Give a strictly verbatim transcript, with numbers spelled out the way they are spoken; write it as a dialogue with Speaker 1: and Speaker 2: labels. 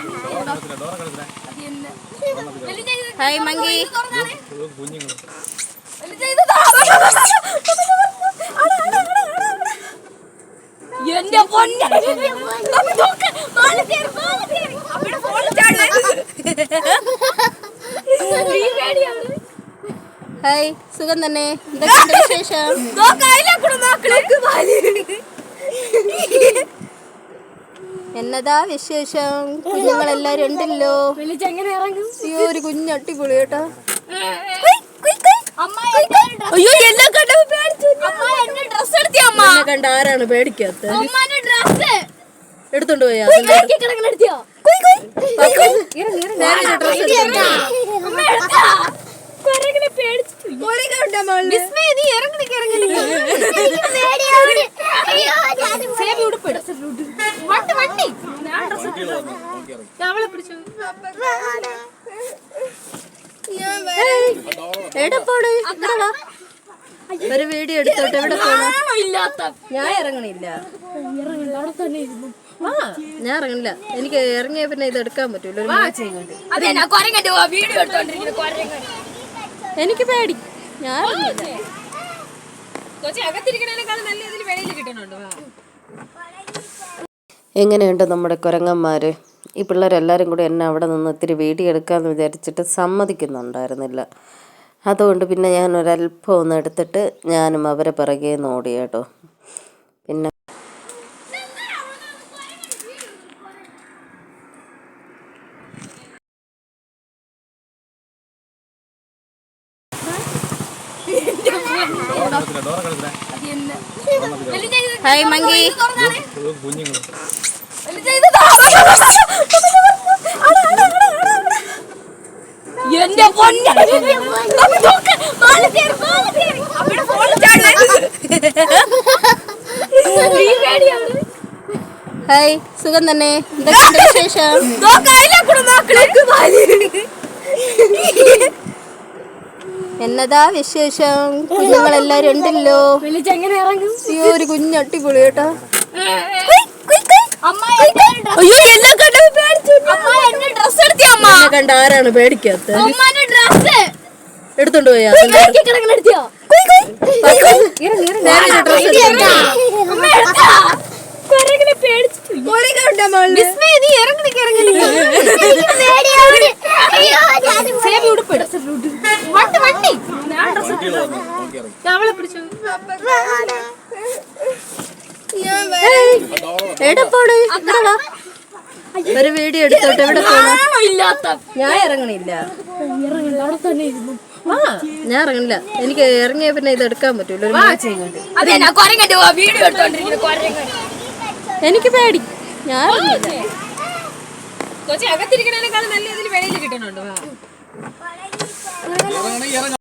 Speaker 1: Hi monkey.
Speaker 2: എന്റെ പൊന്നെ
Speaker 1: hi, സുഖം തന്നെ. എന്തൊക്കെയുണ്ട് വിശേഷം? എന്നതാ വിശേഷം? കുഞ്ഞുങ്ങളെല്ലാരും ഉണ്ടല്ലോ. അയ്യോ, ഒരു കുഞ്ഞ് അടിപൊളി കേട്ടോ.
Speaker 2: അയ്യോ, എന്നെ
Speaker 1: കണ്ട ആരാണ് പേടിക്കാത്ത? എടുത്തോണ്ട് പോയാ എവിടെ പോണ്? ഒരു വീഡിയോ എടുത്തോട്ടെ. എവിടെ പോണു? ഞാൻ ഇറങ്ങണില്ല. ആ ഞാൻ ഇറങ്ങണില്ല. എനിക്ക് ഇറങ്ങിയ പിന്നെ ഇത് എടുക്കാൻ പറ്റൂല. എനിക്ക് പേടി. ഞാൻ എങ്ങനെയുണ്ട് നമ്മുടെ കുരങ്ങന്മാർ? ഈ പിള്ളേരെല്ലാവരും കൂടി എന്നെ അവിടെ നിന്ന് ഇത്തിരി വീഡിയോ എടുക്കാമെന്ന് വിചാരിച്ചിട്ട് സമ്മതിക്കുന്നുണ്ടായിരുന്നില്ല. അതുകൊണ്ട് പിന്നെ ഞാൻ ഒരല്പം ഒന്ന് എടുത്തിട്ട് ഞാനും അവരെ പിറകെ നോടി കേട്ടോ. പിന്നെ ഹായ് മങ്കി.
Speaker 2: എന്റെ പൊന്നെ
Speaker 1: ഹായ്, സുഖം തന്നെ. എന്തൊക്കെയുണ്ട് വിശേഷം? എന്നതാ വിശേഷം? കുഞ്ഞുങ്ങളെല്ലാരും ഉണ്ടല്ലോ. അയ്യോ, ഒരു കുഞ്ഞ് അടിപൊളി കേട്ടോ.
Speaker 2: അയ്യോ, എന്നെ
Speaker 1: കണ്ട ആരാണ് പേടിക്കാത്ത? എടുത്തോണ്ട് പോയാ എവിടെ പോണ്? ഒരു വീഡിയോ എടുത്തോട്ടെ. എവിടെ പോണു? ഞാൻ ഇറങ്ങണില്ല. ആ ഞാൻ ഇറങ്ങണില്ല. എനിക്ക് ഇറങ്ങിയ പിന്നെ ഇത് എടുക്കാൻ പറ്റൂല. എനിക്ക് പേടി. ഞാൻ
Speaker 2: അകത്തിരിക്കണേക്കാളും നല്ല ഇതിൽ വെളിയിൽ കിട്ടണുണ്ടോ?